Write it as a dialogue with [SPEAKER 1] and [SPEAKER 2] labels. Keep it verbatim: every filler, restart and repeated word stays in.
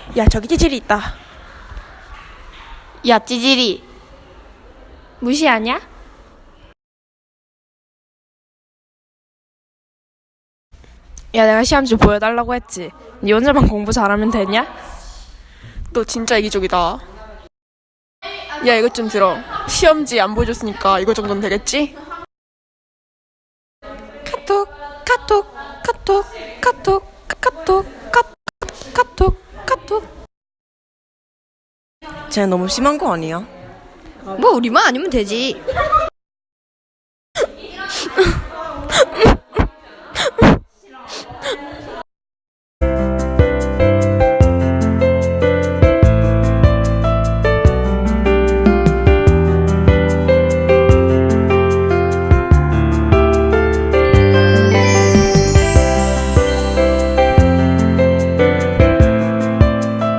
[SPEAKER 1] 야, 저기 찌질이 있다.
[SPEAKER 2] 야, 찌질이. 무시하냐?
[SPEAKER 1] 야, 내가 시험지 보여달라고 했지. 니 혼자만 공부 잘하면 되냐? 너 진짜 이기적이다. 야, 이것 좀 들어. 시험지 안 보여줬으니까 이거 정도는 되겠지? 카톡, 카톡, 카톡, 카톡, 카톡, 카톡, 카톡, 카톡.
[SPEAKER 3] 쟤 너무 심한 거 아니야?
[SPEAKER 2] 뭐 우리만 아니면 되지.